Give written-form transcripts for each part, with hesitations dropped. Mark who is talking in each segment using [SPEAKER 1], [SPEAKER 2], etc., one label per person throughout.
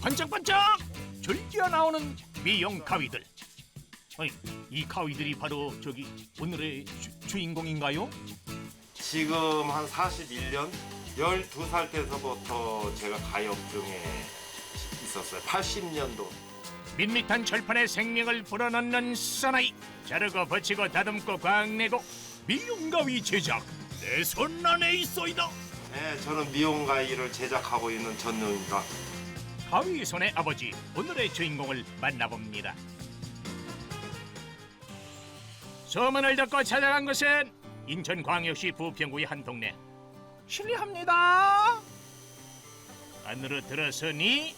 [SPEAKER 1] 반짝반짝 줄기어 나오는 미용 가위들. 아니, 이 가위들이 바로 저기 오늘의 주인공인가요?
[SPEAKER 2] 지금 한 41년? 12살 때서부터 제가 가위 업종에 있었어요. 80년도.
[SPEAKER 1] 밋밋한 철판에 생명을 불어넣는 사나이. 자르고 버치고 다듬고 광내고 미용 가위 제작 내 손 안에 있어이다.
[SPEAKER 2] 네, 저는 미용 가위를 제작하고 있는 전용입니다.
[SPEAKER 1] 가위 손의 아버지, 오늘의 주인공을 만나봅니다. 소문을 듣고 찾아간 것은 인천광역시 부평구의 한 동네. 실례합니다. 안으로 들어서니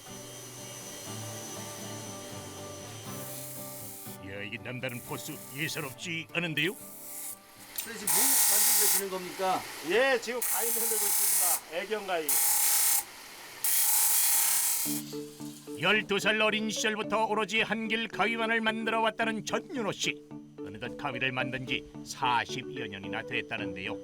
[SPEAKER 1] 야, 이 남다른 포스 예사롭지 않은데요?
[SPEAKER 3] 지금 뭐 만들고 계시는 겁니까?
[SPEAKER 2] 예, 지금 가위 만들고 있습니다. 애견 가위.
[SPEAKER 1] 12살 어린 시절부터 오로지 한길 가위만을 만들어 왔다는 전윤호 씨. 어느덧 가위를 만든 지 40여 년이나 됐다는데요.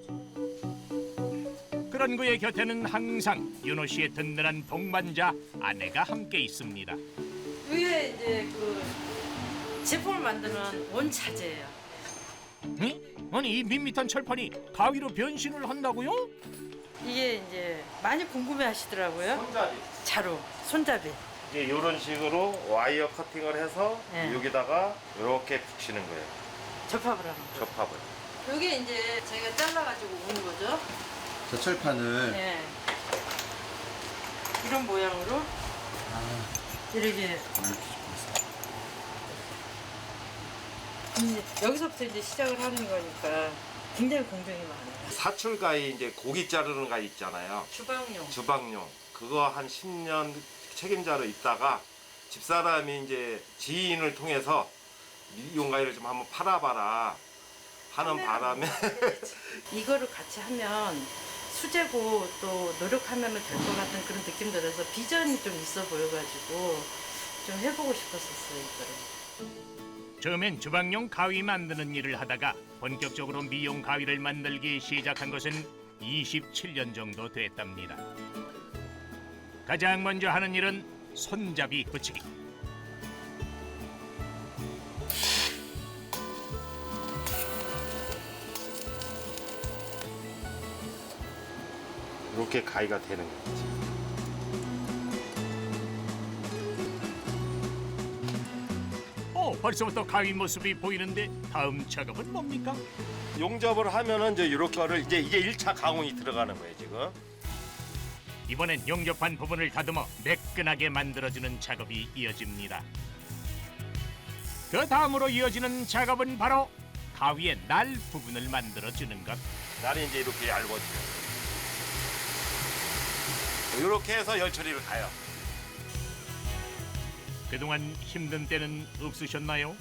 [SPEAKER 1] 그런 그의 곁에는 항상 윤호 씨의 든든한 동반자 아내가 함께 있습니다.
[SPEAKER 4] 이게 이제 그 제품을 만드는 원차재예요.
[SPEAKER 1] 응? 아니, 이 밋밋한 철판이 가위로 변신을 한다고요?
[SPEAKER 4] 이게 이제 많이 궁금해하시더라고요.
[SPEAKER 2] 손잡이.
[SPEAKER 4] 자루, 손잡이.
[SPEAKER 2] 이제 이런 식으로 와이어 커팅을 해서
[SPEAKER 4] 네.
[SPEAKER 2] 여기다가 이렇게 붙이는 거예요.
[SPEAKER 4] 접합을 하는 거.
[SPEAKER 2] 접합을.
[SPEAKER 4] 이게 이제 저희가 잘라가지고 오는 거죠.
[SPEAKER 3] 저 철판을
[SPEAKER 4] 네. 이런 모양으로 이렇게. 여기서부터 이제 시작을 하는 거니까 굉장히 공정이 많아요.
[SPEAKER 2] 사출 가위 이제 고기 자르는 가위 있잖아요.
[SPEAKER 4] 주방용.
[SPEAKER 2] 주방용. 그거 한 10년 책임자로 있다가 집사람이 이제 지인을 통해서 미용 가위를 좀 한번 팔아봐라 하는 바람에
[SPEAKER 4] 이거를 같이 하면 수제고 또 노력하면 될 것 같은 그런 느낌 들어서 비전이 좀 있어 보여가지고 좀 해보고 싶었었어요, 이거를.
[SPEAKER 1] 처음엔 주방용 가위 만드는 일을 하다가 본격적으로 미용 가위를 만들기 시작한 것은 27년 정도 됐답니다. 가장 먼저 하는 일은 손잡이 붙이기.
[SPEAKER 2] 이렇게 가위가 되는 거지.
[SPEAKER 1] 벌써부터 가위 모습이 보이는데 다음 작업은 뭡니까?
[SPEAKER 2] 용접을 하면은 이제 이렇게를 이제 이게 1차 가공이 들어가는 거예요, 지금.
[SPEAKER 1] 이번엔 용접한 부분을 다듬어 매끈하게 만들어주는 작업이 이어집니다. 그 다음으로 이어지는 작업은 바로 가위의 날 부분을 만들어주는 것.
[SPEAKER 2] 날이 이제 이렇게 얇아져요. 이렇게 해서 열 처리를 가요.
[SPEAKER 1] 그동안 힘든 때는 없으셨나요?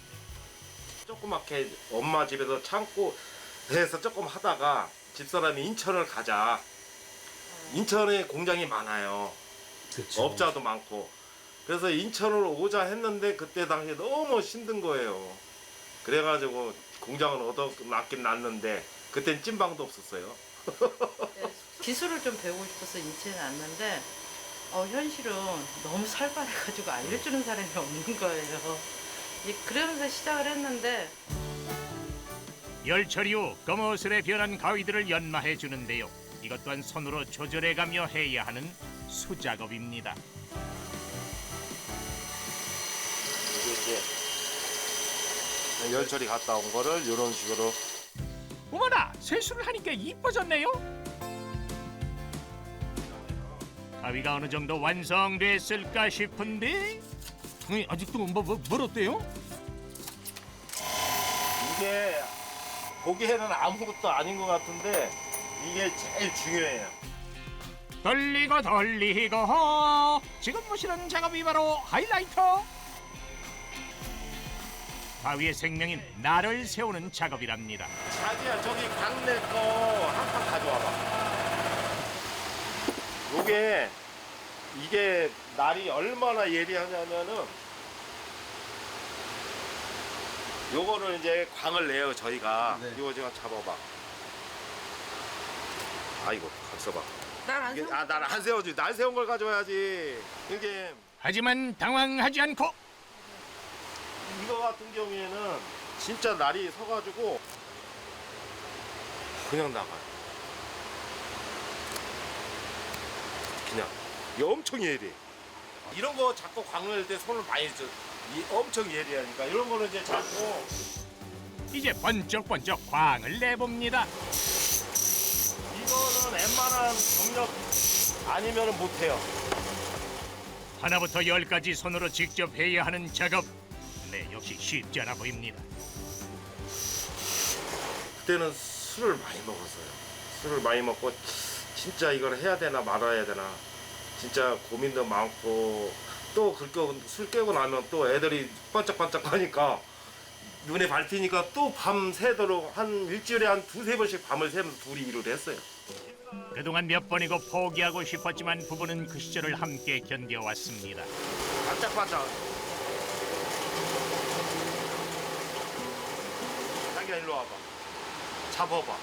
[SPEAKER 2] 조그맣게 엄마 집에서 창고에서 조금 하다가 집사람이 인천을 가자. 인천에 공장이 많아요.
[SPEAKER 3] 그쵸.
[SPEAKER 2] 업자도 많고. 그래서 인천으로 오자 했는데 그때 당시에 너무 힘든 거예요. 그래가지고 공장을 얻어놨긴 났는데 그땐 찐방도 없었어요.
[SPEAKER 4] 네, 기술을 좀 배우고 싶어서 인체에 왔는데 현실은 너무 살벌해가지고 알려주는 사람이 없는 거예요. 그러면서 시작을 했는데
[SPEAKER 1] 열 처리 후 검어슬에 변한 가위들을 연마해 주는데요. 이것 또한 손으로 조절해가며 해야 하는 수작업입니다.
[SPEAKER 2] 이게 이제 열 처리 갔다 온 거를 이런 식으로.
[SPEAKER 1] 어머나, 세수를 하니까 이뻐졌네요. 가위가 어느 정도 완성됐을까 싶은데 아직도 멀었대요?
[SPEAKER 2] 이게 보기에는 아무것도 아닌 것 같은데 이게 제일 중요해요.
[SPEAKER 1] 돌리고 지금 보시는 작업이 바로 하이라이터. 가위의 생명인 날을 세우는 작업이랍니다.
[SPEAKER 2] 자기야, 저기 강내 거 한 판 가져와봐. 이게 날이 얼마나 예리하냐면은 요거를 이제 광을 내요, 저희가.
[SPEAKER 3] 네.
[SPEAKER 2] 이거 제가 잡아봐. 아이고, 가서 봐.
[SPEAKER 4] 날안
[SPEAKER 2] 날 안 세워지. 날 세운 걸 가져와야지. 이게
[SPEAKER 1] 하지만 당황하지 않고
[SPEAKER 2] 이거 같은 경우에는 진짜 날이 서가지고 그냥 나가요. 그냥 이 엄청 예리해. 이런 거 잡고 광을 때 손을 많이 써. 엄청 예리하니까 이런 거는 이제 잡고
[SPEAKER 1] 이제 번쩍번쩍 광을 내봅니다.
[SPEAKER 2] 이거는 웬만한 경력 아니면 못해요.
[SPEAKER 1] 하나부터 열까지 손으로 직접 해야 하는 작업. 네, 역시 쉽지 않아 보입니다.
[SPEAKER 2] 그때는 술을 많이 먹었어요. 술을 많이 먹고 진짜 이걸 해야 되나 말아야 되나 진짜 고민도 많고 또 술 깨고 나면 또 애들이 반짝반짝하니까 눈에 밟히니까 또 밤 새도록 한 일주일에 한 두세 번씩 밤을 새면서 둘이 일을 했어요.
[SPEAKER 1] 그동안 몇 번이고 포기하고 싶었지만 부부는 그 시절을 함께 견뎌왔습니다.
[SPEAKER 2] 반짝반짝. 자기야 일로 와봐. 잡아봐.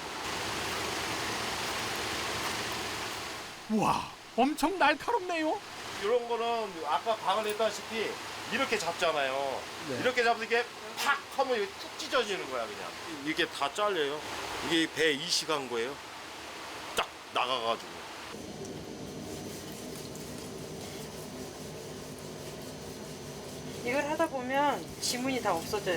[SPEAKER 1] 와, 엄청 날카롭네요.
[SPEAKER 2] 이런 거는 아까 방을 했다시피 이렇게 잡잖아요.
[SPEAKER 3] 네.
[SPEAKER 2] 이렇게 잡으면 이게 팍 하면 이게 쭉 찢어지는 거야 그냥. 이게 다 잘려요. 이게 배 이식한 거예요. 딱 나가가지고.
[SPEAKER 4] 이걸 하다 보면 지문이 다 없어져요.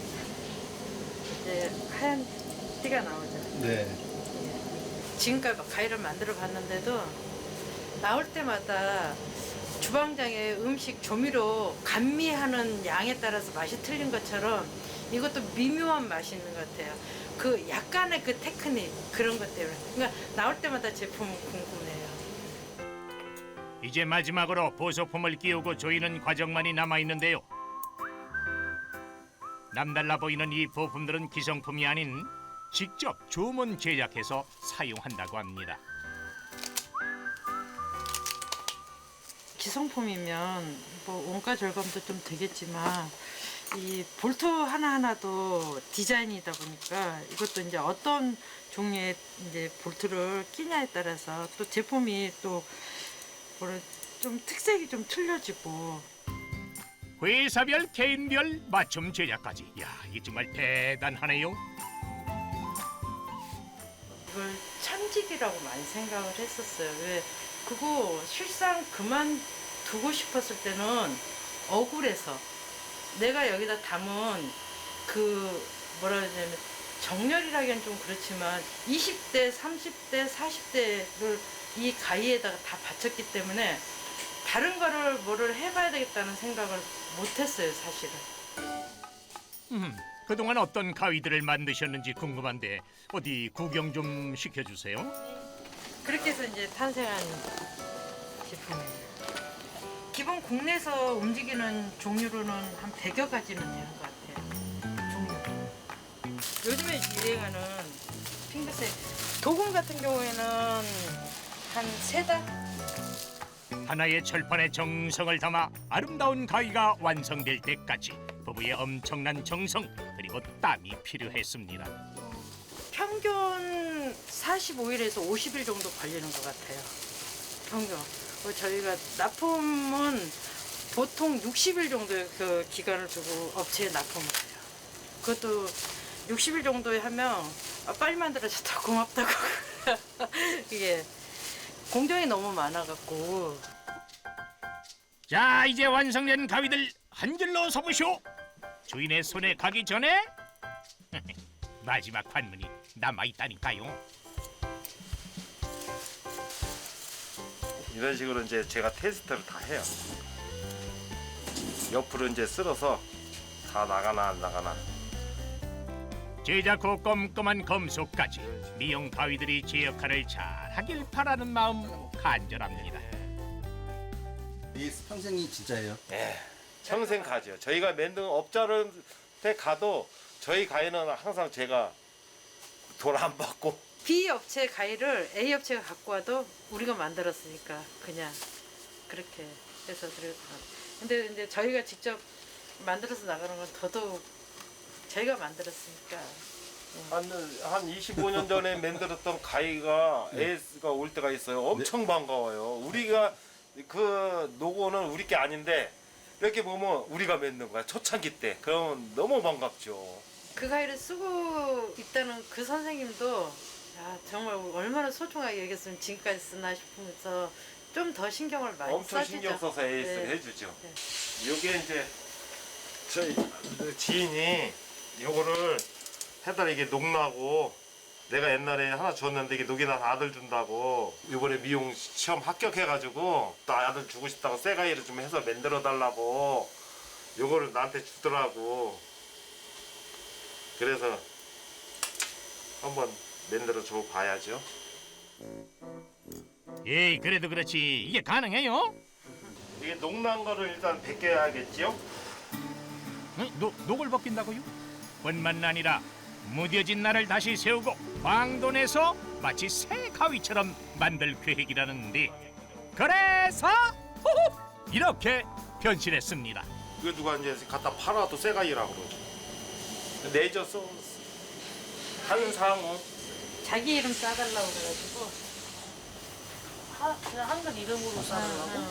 [SPEAKER 4] 이제 하얀 티가 나오죠.
[SPEAKER 3] 네.
[SPEAKER 4] 지금까지 막 가위를 만들어 봤는데도 나올 때마다 주방장의 음식 조미료 감미하는 양에 따라서 맛이 틀린 것처럼 이것도 미묘한 맛이 있는 것 같아요. 그 약간의 그 테크닉 그런 것 때문에 그러니까 나올 때마다 제품은 궁금해요.
[SPEAKER 1] 이제 마지막으로 보소품을 끼우고 조이는 과정만이 남아있는데요. 남달라 보이는 이 부품들은 기성품이 아닌 직접 주문 제작해서 사용한다고 합니다.
[SPEAKER 4] 기성품이면 뭐 원가 절감도 좀 되겠지만 이 볼트 하나하나도 디자인이다 보니까 이것도 이제 어떤 종류의 이제 볼트를 끼냐에 따라서 또 제품이 또 뭐라 좀 특색이 좀 틀려지고
[SPEAKER 1] 회사별, 개인별 맞춤 제작까지. 야, 이게 정말 대단하네요.
[SPEAKER 4] 이걸 천직이라고 많이 생각을 했었어요. 왜 그거 실상 그만두고 싶었을 때는 억울해서 내가 여기다 담은 그 뭐라 해야 되냐면 정렬이라기엔 좀 그렇지만 20대, 30대, 40대를 이 가위에다가 다 바쳤기 때문에 다른 거를 뭐를 해봐야 되겠다는 생각을 못했어요, 사실은.
[SPEAKER 1] 그동안 어떤 가위들을 만드셨는지 궁금한데 어디 구경 좀 시켜주세요.
[SPEAKER 4] 그렇게 해서 이제 탄생한 제품이에요. 기본 국내에서 움직이는 종류로는 한 100여 가지는 되는 것 같아요. 종류. 요즘에 유행하는 핑크색 도금 같은 경우에는 한 3달?
[SPEAKER 1] 하나의 철판에 정성을 담아 아름다운 가위가 완성될 때까지 부부의 엄청난 정성 그리고 땀이 필요했습니다.
[SPEAKER 4] 평균 45일에서 50일 정도 걸리는 것 같아요. 평균. 저희가 납품은 보통 60일 정도의 그 기간을 두고 업체에 납품을 해요. 그것도 60일 정도에 하면 빨리 만들어졌다 고맙다고. 이게 공정이 너무 많아갖고.
[SPEAKER 1] 자, 이제 완성된 가위들 한 줄로 서보시오. 주인의 손에 가기 전에 마지막 관문이 남아있다니까요.
[SPEAKER 2] 이런 식으로 이제 제가 테스트를 다 해요. 옆으로 이제 쓸어서 다 나가나 안 나가나.
[SPEAKER 1] 제작 후 꼼꼼한 검수까지 미용 가위들이 제 역할을 잘 하길 바라는 마음 간절합니다.
[SPEAKER 3] 이 평생이 진짜예요?
[SPEAKER 2] 예, 평생 가죠. 저희가 만든 업자한테 가도 저희 가위는 항상 제가 돈 안 받고.
[SPEAKER 4] B 업체 가위를 A 업체가 갖고 와도 우리가 만들었으니까 그냥 그렇게 해서 그래도. 근데 이제 저희가 직접 만들어서 나가는 건 더더욱 저희가 만들었으니까.
[SPEAKER 2] 한 25년 전에 만들었던 가위가 AS가 올 때가 있어요. 엄청 반가워요. 우리가 그 노고는 우리 게 아닌데 이렇게 보면 우리가 맺는 거야. 초창기 때. 그러면 너무 반갑죠.
[SPEAKER 4] 그 가위를 쓰고 있다는 그 선생님도 야, 정말 얼마나 소중하게 여겼으면 지금까지 쓰나 싶으면서 좀 더 신경을 많이
[SPEAKER 2] 엄청
[SPEAKER 4] 써주죠.
[SPEAKER 2] 신경 써서 에이스를
[SPEAKER 4] 네.
[SPEAKER 2] 해주죠.
[SPEAKER 4] 네.
[SPEAKER 2] 요게 이제 저희 지인이 요거를 해달 이게 녹나고 내가 옛날에 하나 줬는데 이게 녹이 나서 아들 준다고 이번에 미용 시험 합격해가지고 또 아들 주고 싶다고 쇠가위를 좀 해서 만들어 달라고 요거를 나한테 주더라고. 그래서 한번 만들어 줘 봐야죠.
[SPEAKER 1] 에이, 그래도 그렇지. 이게 가능해요?
[SPEAKER 2] 이게 녹난 거를 일단 벗겨야겠지요?
[SPEAKER 1] 녹을 벗긴다고요? 뿐만 아니라 무뎌진 날을 다시 세우고 광돈에서 마치 새 가위처럼 만들 계획이라는데, 그래서 호호! 이렇게 변신했습니다.
[SPEAKER 2] 이거 누가 이제 갖다 팔아도 쇠가위라고 그러죠. 내줘서 한상우.
[SPEAKER 4] 자기 이름 써달라고 그래가지고
[SPEAKER 5] 그냥 한글 이름으로 써달라고?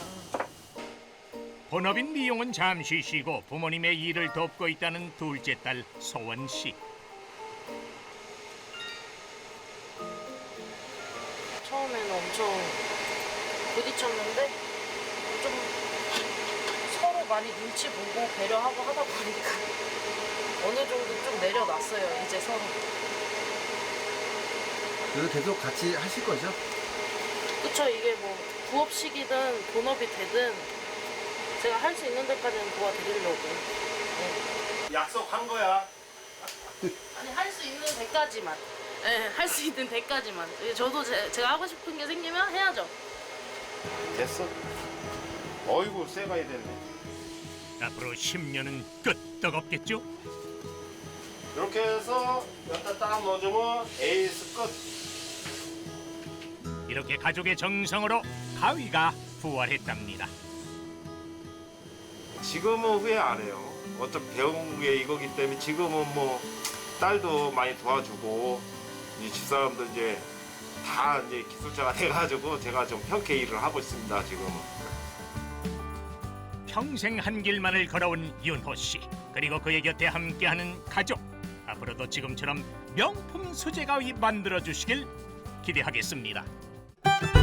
[SPEAKER 1] 본업인 미용은 잠시 쉬고 부모님의 일을 돕고 있다는 둘째 딸 소원 씨.
[SPEAKER 5] 처음에는 엄청 부딪혔는데 좀 서로 많이 눈치 보고 배려하고 하다 보니까 어느 정도 좀 내려놨어요, 이제 서로.
[SPEAKER 3] 그래도 계속 같이 하실 거죠?
[SPEAKER 5] 그쵸, 이게 뭐 부업식이든 본업이 되든 제가 할 수 있는 데까지는 도와드리려고. 네.
[SPEAKER 2] 약속한 거야.
[SPEAKER 5] 아니, 할 수 있는 데까지만. 네, 할 수 있는 데까지만. 저도 제가 하고 싶은 게 생기면 해야죠.
[SPEAKER 2] 됐어. 어이구 쇠가위 됐네.
[SPEAKER 1] 앞으로 10년은 끄떡없겠죠?
[SPEAKER 2] 이렇게 해서 여기다 딱 넣어주면 에이스 끝.
[SPEAKER 1] 이렇게 가족의 정성으로 가위가 부활했답니다.
[SPEAKER 2] 지금은 후회 안 해요. 어차피 배운 게 이거기 때문에 지금은 뭐 딸도 많이 도와주고 이 집사람도 이제 다 이제 기술자가 돼가지고 제가 좀 편케 일을 하고 있습니다. 지금은.
[SPEAKER 1] 평생 한 길만을 걸어온 윤호 씨, 그리고 그의 곁에 함께하는 가족. 앞으로도 지금처럼 명품 수제가위 만들어 주시길 기대하겠습니다.